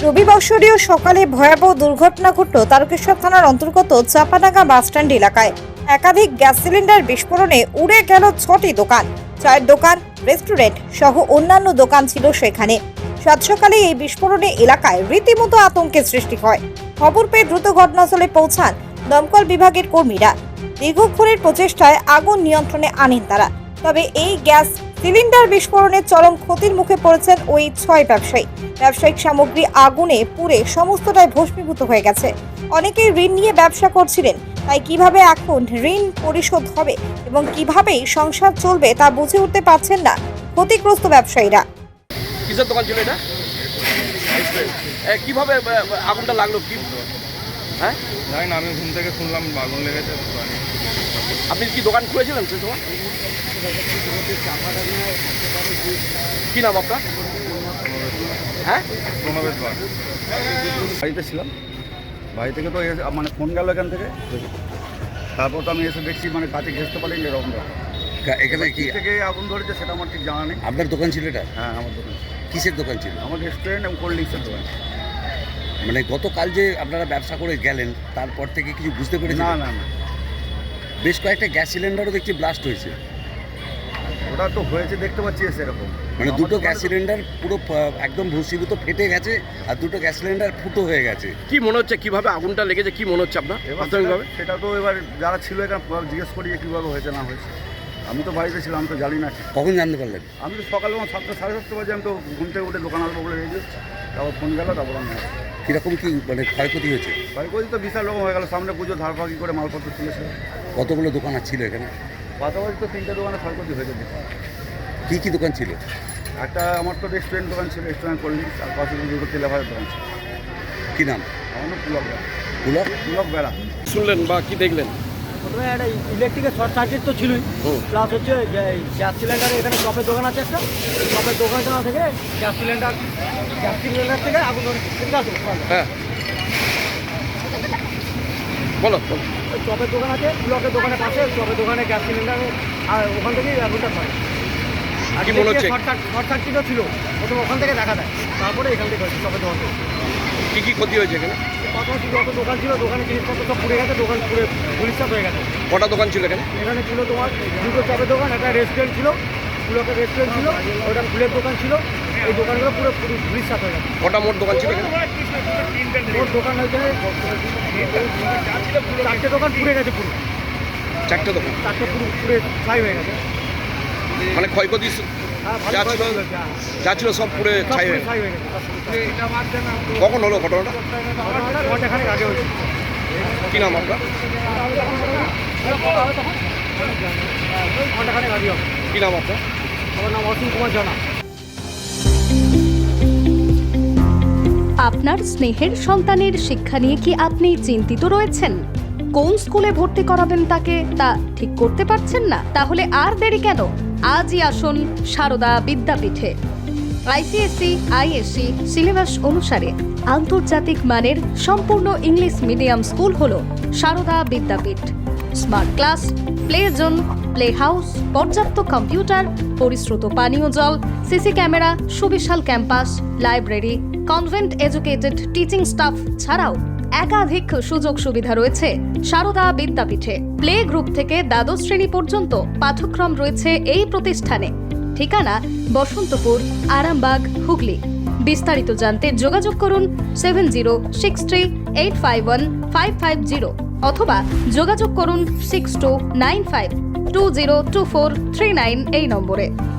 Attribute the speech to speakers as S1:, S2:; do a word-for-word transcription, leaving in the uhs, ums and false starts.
S1: রবিবাসরীয় সকালে ভয়াবহ দুর্ঘটনা ঘটল তারকেশ্বর থানার অন্তর্গত চাপাডাঙ্গা বাসস্ট্যান্ড এলাকায়। একাধিক গ্যাস সিলিন্ডার বিস্ফোরণে উড়ে গেল ছটি দোকান, চায়ের দোকান, রেস্টুরেন্ট সহ অন্যান্য দোকান ছিল সেখানে। সাত সকালে এই বিস্ফোরণে এলাকায় রীতিমতো আতঙ্কের সৃষ্টি হয়। খবর পেয়ে দ্রুত ঘটনাস্থলে পৌঁছান দমকল বিভাগের কর্মীরা। দীর্ঘক্ষণের প্রচেষ্টায় আগুন নিয়ন্ত্রণে আনেন তারা। তবে এই গ্যাস সিলিন্ডার বিস্ফোরণে চরম ক্ষতির মুখে পড়েছেন ওই ছয় ব্যবসায়ী। ব্যবসায়িক সামগ্রী আগুনে পুড়ে সমস্তটাই ভস্মীভূত হয়ে গেছে। অনেকেই ঋণ নিয়ে ব্যবসা করছিলেন, তাই কিভাবে এখন ঋণ পরিশোধ হবে এবং কিভাবেই সংসার চলবে তা বুঝে উঠতে পারছেন না ক্ষতিগ্রস্ত ব্যবসায়ীরা।
S2: কিসের দোকান ছিল এটা? কিভাবে আগুনটা লাগলো? কি হ্যাঁ
S3: জানি না, আমি ঘুম থেকে শুনলাম আগুন লেগেছে।
S2: আপনি কি দোকান খুলেছিলেন সেই সময়? কি নাম আপনার? হ্যাঁ
S3: প্রণবেশ বাগ। বাড়িতে ছিলাম, বাড়ি থেকে তো এসে মানে ফোন গেল এখান থেকে। তারপর তো আমি এসে দেখছি মানে কাছে ঘেঁচতে পারি এরকম ব্যাপার।
S4: এখানে কি
S3: থেকে আগুন ধরেছে সেটা আমার ঠিক জানা নেই।
S4: আপনার দোকান ছিল এটা?
S3: হ্যাঁ আমার দোকান।
S4: কিসের দোকান ছিল?
S3: আমার রেস্টুরেন্ট এবং কোল্ড ড্রিঙ্কসের দোকান।
S4: মানে গতকাল যে আপনারা ব্যবসা করে গেলেন তারপর থেকে কিছু বুঝতে পেরেছেন?
S3: না না না,
S4: বেশ কয়েকটা গ্যাস সিলিন্ডারও দেখছি ব্লাস্ট হয়েছে।
S3: ওটা তো হয়েছে দেখতে পাচ্ছি সেরকম।
S4: মানে দুটো গ্যাস সিলিন্ডার পুরো আহ, একদম ভস্মীভূত ফেটে গেছে আর দুটো গ্যাস সিলিন্ডার ফুটো হয়ে গেছে।
S2: কি মনে হচ্ছে কিভাবে আগুনটা লেগেছে? কি মনে হচ্ছে আপনার
S3: এবার
S2: প্রাথমিকভাবে?
S3: সেটা- সেটা তো এবার যারা ছিল এখানে জিজ্ঞেস করি যে কীভাবে হয়েছে না হয়েছে। আমি তো বাড়িতে ছিলাম, আমি তো জানি না।
S4: কখন জানতে পারলেন?
S3: আমি তো সকালে আমার সাতটা সাড়ে সাতটা বাজে আমি তো ঘুম থেকে উঠে দোকান আসবো বলে রেখে তারপর ফোন গেল, তারপর আমি আসি।
S4: কীরকম কি মানে ক্ষয়ক্ষতি হয়েছে?
S3: বাড়ি করে তো বিশাল রকম হয়ে গেল। সামনে পুজো ধারপাকি করে মালপত্র তুলেছে।
S4: কতগুলো দোকান আর ছিল এখানে?
S3: পাশাপাশি তো তিনটে দোকানে ক্ষয়ক্ষতি হয়েছে।
S4: কী কী দোকান ছিল?
S3: একটা আমার তো রেস্টুরেন্ট দোকান ছিল, রেস্টুরেন্ট কোল্ড ড্রিঙ্কস, আর পাশে দুটো তেলেভাজার দোকান ছিল।
S4: কী নাম?
S3: আমার নাম পুলক বেড়া।
S4: কুলার?
S3: পুলক বেড়া।
S2: শুনলেন বা কি দেখলেন?
S5: প্রথমে একটা ইলেকট্রিকের শর্ট সার্কিট তো ছিলই, প্লাস হচ্ছে যে গ্যাস সিলিন্ডারে এখানে চপের দোকান আছে একটা, চপের দোকানটা থেকে গ্যাস সিলিন্ডার গ্যাস সিলিন্ডার থেকে আগুন ধরে
S2: হ্যাঁ বলো বলো।
S5: ওই চপের দোকান আছে, ব্লকের দোকানের পাশে চপের দোকানে গ্যাস সিলিন্ডার, আর ওখান থেকেই আগুনটা হয়। আর
S2: কি মনে হচ্ছে?
S5: শর্ট শর্ট সার্কিটও ছিল, প্রথমে ওখান থেকে দেখা দেয়, তারপরে এখান থেকে হয়েছে চপের দোকান থেকে।
S2: কি কি ক্ষতি হয়েছে এখানে?
S5: পাশাপাশি যত দোকান ছিল দোকানে জিনিসপত্র সব পুড়ে গেছে, দোকান পুড়ে গুলিস্তাপ হয়ে গেছে।
S2: কটা দোকান ছিল এখানে?
S5: এখানে ছিল তোমার দুটো চপের দোকান, একটা রেস্টুরেন্ট ছিল, পুরোটা রেস্টুরেন্ট ছিল, ওটা ফুলের দোকান ছিল। এই দোকানগুলো পুরো পুরো গুলিস্তাপ হয়ে গেছে।
S2: কটা মোট দোকান ছিল এখানে?
S5: ওর দোকান হয়েছে চারটে দোকান পুড়ে গেছে, পুরো
S2: চারটে দোকান
S5: চারটে পুরো পুড়ে ছাই হয়ে গেছে।
S2: মানে ক্ষয়ক্ষতি
S5: হ্যাঁ, ভালো
S2: যা ছিল
S5: ক্ষয়ক্ষতি হয়েছে, হ্যাঁ।
S2: যা ছিল সব পুড়ে
S5: সব
S2: ছাই
S5: পুরো
S2: হয়ে গেছে।
S5: ছাই হয়ে গেছে, সব পুরো।
S2: কখন হলো ঘটনাটা?
S5: ঘটনাটা ঘন্টাখানেক আগে হয়েছে।
S2: কি নাম আপনার?
S5: ঘন্টাখানেক আগে হবে।
S2: কি নাম আপনার?
S5: আমার নাম অসীম কুমার জানা।
S6: আপনার স্নেহের সন্তানের শিক্ষা নিয়ে কি আপনি চিন্তিত রয়েছেন? কোন স্কুলে ভর্তি করাবেন তাকে তা ঠিক করতে পারছেন না? তাহলে আর দেরি কেন? আজই আসুন সারদা বিদ্যাপীঠে। আইসিএসসি আইএসসি সিলেবাস অনুসারে আন্তর্জাতিক মানের সম্পূর্ণ ইংলিশ মিডিয়াম স্কুল হলো Sarada Vidyapith. Smart class, play zone, play house, পর্যাপ্ত কম্পিউটার, পরিশ্রুত পানীয় জল, সিসি ক্যামেরা, সুবিশাল campus, library, convent educated teaching staff ছাড়াও একাধিক সুযোগ সুবিধা রয়েছে সারদা বিদ্যাপীঠে। প্লে গ্রুপ থেকে দ্বাদশ শ্রেণী পর্যন্ত পাঠ্যক্রম রয়েছে এই প্রতিষ্ঠানে। ঠিকানা বসন্তপুর, আরামবাগ, হুগলি। বিস্তারিত জানতে যোগাযোগ করুন seven zero six three eight five one five five zero অথবা যোগাযোগ করুন six two nine five two zero two four three nine এই নম্বরে।